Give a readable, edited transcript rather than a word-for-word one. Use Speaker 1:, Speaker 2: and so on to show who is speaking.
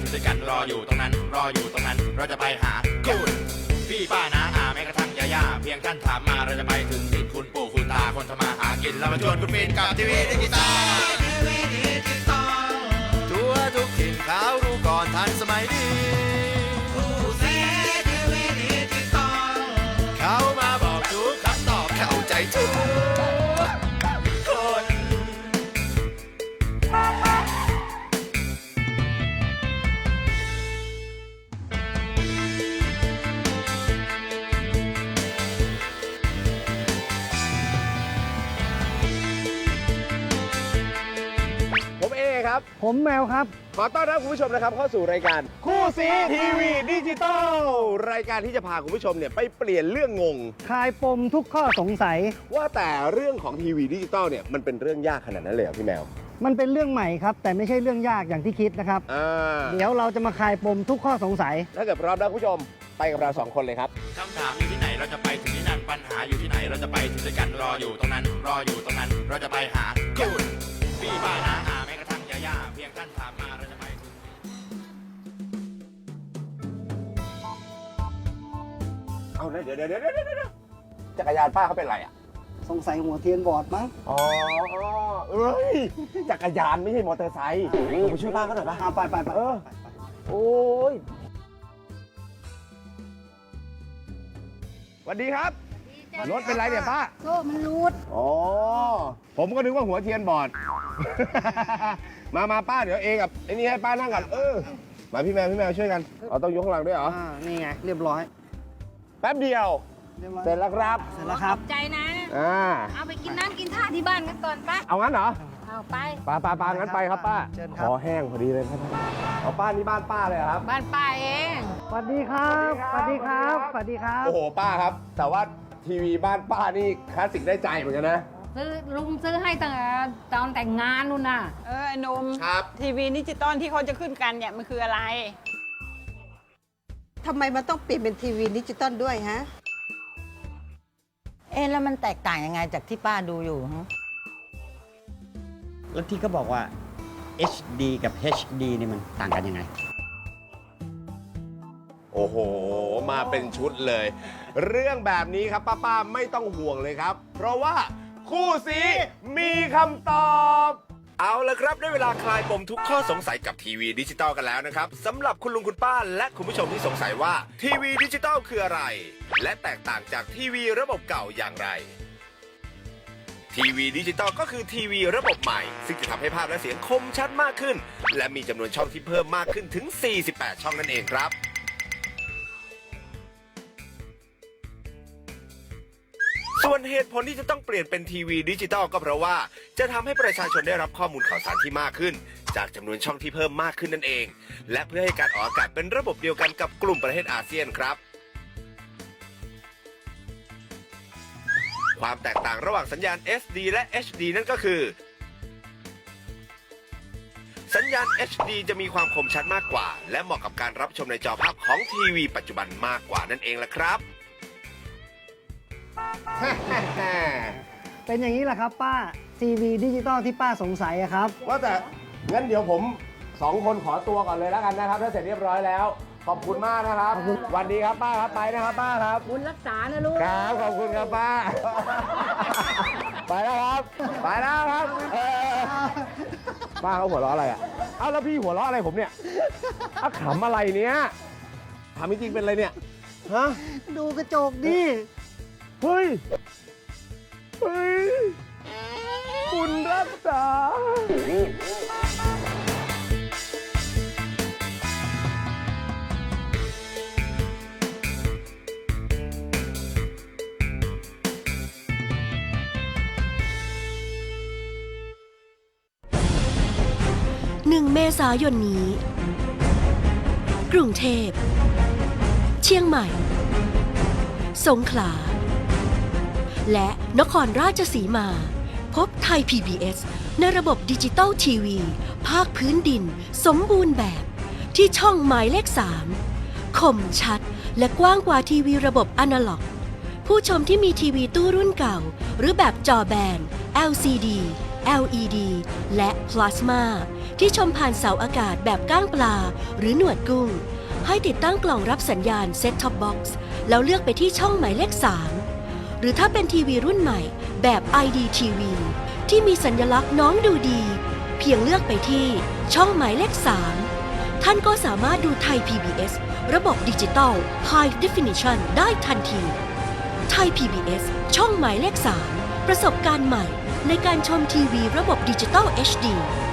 Speaker 1: ถึงด้วยกันรออยู่ตรงนั้นรออยู่ตรงนั้นเราจะไปหาคุณพี่ป้าน้าอาแม้กระทั่งย่าเพียงท่านถามมาเราจะไปถึงถิ่นคุณปู่คุณตาคนทำมาหากินเรามาชวนคุณฟินกับทีวีดิจิตอลทั่วทุกถิ่นเขารู้ก่อนทันสมัยดีเขามาบอกทุกคำตอบเข้าใจทุกคน
Speaker 2: ผมเอครับ
Speaker 3: ผมแมวครับ
Speaker 2: ขอต้อนรับคุณผู้ชมนะครับเข้าสู่รายการคู่ซีทีวีดิจิตอลรายการที่จะพาคุณผู้ชมเนี่ยไปเปลี่ยนเรื่องงง
Speaker 3: คลายปมทุกข้อสงสัย
Speaker 2: ว่าแต่เรื่องของทีวีดิจิตอลเนี่ยมันเป็นเรื่องยากขนาดนั้นเลยเหรอพี่แมว
Speaker 3: มันเป็นเรื่องใหม่ครับ แต่ไม่ใช่เรื่องยากอย่างที่คิดนะครับ เดี๋ยวเราจะมาคลายปมทุกข้อสงสัย
Speaker 2: ถ้าเกิดพร้อมแล้วคุณผู้ชมไปกับเราสองคนเลยครับ
Speaker 1: คำถามอยู่ที่ไหนเราจะไปถึงที่นั่นปัญหาอยู่ที่ไหนเราจะไปถึงด้วยกันรออยู่ตรงนั้นรออยู่ตรงนั้นเราจะไปหาคุณพี่ป้าน้าอาแม้กระทั่งย่าเพียงท่านถามมาเราจะไปถึง
Speaker 2: เอาเดี๋ยวจักรยานป้าเขาเป็นไรอ่ะ
Speaker 3: สงสัยหัวเทียนบอดมั้ง
Speaker 2: อ๋อเอ้ยจักรยานไม่ใช่มอเตอร์ไซค์ผมไปช่วยป้าเขาหน่อยป่ะ
Speaker 3: ไป
Speaker 2: โอ้ยสวัสดีครับ รถเป็นไรเนี่ยป้า
Speaker 4: โซ่มันรูด
Speaker 2: อ๋อ ผมก็นึกว่าหัวเทียนบอด มาป้าเดี๋ยวเองกับไอ้นี่ให้ป้านั่งก่อนมาพี่แมวช่วยกันเราต้องยกข้างหลังด้วยเหรอ
Speaker 3: นี่ไง เรียบร้อย
Speaker 2: แป๊บเดียว
Speaker 3: เรียบร้อย
Speaker 2: เสร็จแล้วครับ
Speaker 3: เสร็จแล้วครับ
Speaker 4: ใจนะ เอาไปกินน้ำกินท่าที่บ้านกันก่อนปะ
Speaker 2: เอางั้นเหรอ
Speaker 4: เอาไป
Speaker 2: ป้างั้นไปครับป้า
Speaker 3: เชิญค
Speaker 2: ครับ อแห้งพอดีเลยครับเอาป้านี่บ้านป้าเลยเหรอครับ
Speaker 4: บ้านป้าเอง
Speaker 3: สวัสดีครับ สวัสดีครับ สวัสดีครับ
Speaker 2: โอ้โหป้าครับ แต่ว่าทีวีบ้านป้านี่คลาสสิกได้ใจเหมือนกันนะ
Speaker 4: ลุงซื้อให้ตั้งแต่ตอนแต่งงานนู่นน่ะ
Speaker 5: ไอ้หนุ่ม
Speaker 2: ครับ
Speaker 5: ทีวีดิจิตอลที่เขาจะขึ้นกันเนี่ยมันคืออะไร
Speaker 6: ทำไมมันต้องเปลี่ยนเป็นทีวีดิจิตอลด้วยฮะ
Speaker 7: แล้วมันแตกต่างยังไงจากที่ป้าดูอยู่ฮะ
Speaker 8: แล้วที่เขาบอกว่า HD กับ HD นี่มันต่างกันยังไง
Speaker 2: โอ้โห มาเป็นชุดเลย เรื่องแบบนี้ครับป้าไม่ต้องห่วงเลยครับ เพราะว่าคู่ซีมีคำตอบ เอาละครับได้เวลาคลายปมทุกข้อสงสัยกับทีวีดิจิตอลกันแล้วนะครับสำหรับคุณลุงคุณป้าและคุณผู้ชมที่สงสัยว่าทีวีดิจิตอลคืออะไร และแตกต่างจากทีวีระบบเก่าอย่างไร ทีวีดิจิตอลก็คือทีวีระบบใหม่ ซึ่งจะทำให้ภาพและเสียงคมชัดมากขึ้น และมีจำนวนช่องที่เพิ่มมากขึ้นถึง 48 ช่องนั่นเองครับ ส่วนเหตุผลที่จะต้องเปลี่ยนเป็นทีวีดิจิตอลก็เพราะว่าจะทำให้ประชาชนได้รับข้อมูลข่าวสารที่มากขึ้น จากจำนวนช่องที่เพิ่มมากขึ้นนั่นเอง และเพื่อให้การออกอากาศเป็นระบบเดียวกันกับกลุ่มประเทศอาเซียนครับ ความแตกต่างระหว่างสัญญาณ SD และ HD นั่นก็คือ สัญญาณ HD จะมีความคมชัดมากกว่า และเหมาะกับการรับชมในจอภาพของทีวีปัจจุบันมากกว่านั่นเองล่ะครับ
Speaker 3: เป็นอย่างนี้แหละครับป้า ทีวีดิจิตอลที่ป้าสงสัยอะครับ
Speaker 2: ว่าแต่งั้นเดี๋ยวผมสองคนขอตัวก่อนเลยแล้วกันนะครับ ถ้าเสร็จเรียบร้อยแล้ว ขอบคุณมากนะครับวันดีครับป้าครับไปนะครับป้าครับ
Speaker 4: บุญรักษานะลูก
Speaker 2: ครับขอบคุณครับป้า ไปแล้วครับ ไปแล้วครับป้าเขาหัวเราะอะไรอ่ะเอ้าแล้วพี่หัวเราะอะไรผมเนี่ยอ้าขำอะไรเนี้ยถามจริงๆเป็นอะไรเนี่ยฮะ
Speaker 3: ดูกระจกดิ
Speaker 2: เฮ้ยคุณรักษา
Speaker 9: 1 เมษายนนี้ กรุงเทพ เชียงใหม่ สงขลา และนครราชสีมา พบไทย PBS ในระบบดิจิตอลทีวีภาคพื้นดินสมบูรณ์แบบที่ช่องหมายเลข 3 คมชัดและกว้างกว่าทีวีระบบอนาล็อก ผู้ชมที่มีทีวีตู้รุ่นเก่า หรือแบบจอแบน LCD LED และพลาสมาที่ชมผ่านเสาอากาศแบบก้างปลาหรือหนวดกุ้ง ให้ติดตั้งกล่องรับสัญญาณ Set Top Box แล้วเลือกไปที่ช่องหมายเลข 3 หรือถ้าเป็นทีวีรุ่นใหม่แบบ IDTV ที่มีสัญลักษณ์น้องดูดี เพียงเลือกไปที่ช่องหมายเลข 3 ท่านก็สามารถดูไทย PBS ระบบดิจิตอล High Definition ได้ทันทีไทย PBS ช่องหมายเลข 3 ประสบการณ์ใหม่ในการชมทีวีระบบดิจิตอล HD